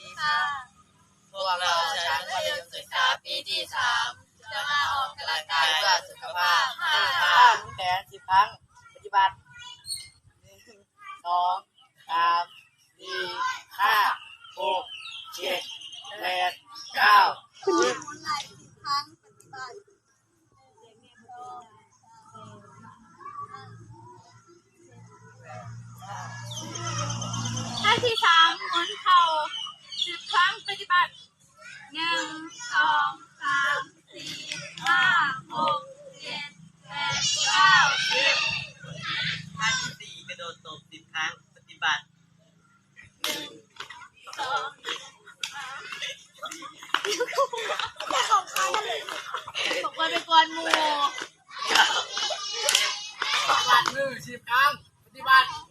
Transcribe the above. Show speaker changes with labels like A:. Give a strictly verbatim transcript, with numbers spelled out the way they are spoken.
A: ดีค่ะพวกเราชั้นมัธยมศึกษาปีที่สามจะมาออกกำลังกายเพื่อสุขภาพห้าหมุนแขนสิบครั้งปฏิบัติหนึ่งสองสามสี่ห้าหกเจ็ดแปดเก้าสิบ
B: ท่าที่สามหมุนเข่าสิบครั้งปฏิบัติหนึ่งสองสามสี่ห้าหกเจ็ดแปดเก้าสิบ
A: ท่าที่สี่กระโดดตบสิบครั้งปฏิบัติหนึ่งสอง
B: ตกไปเป็นกวนหมู
A: กวาดมือสิบครั้งปฏิบัติ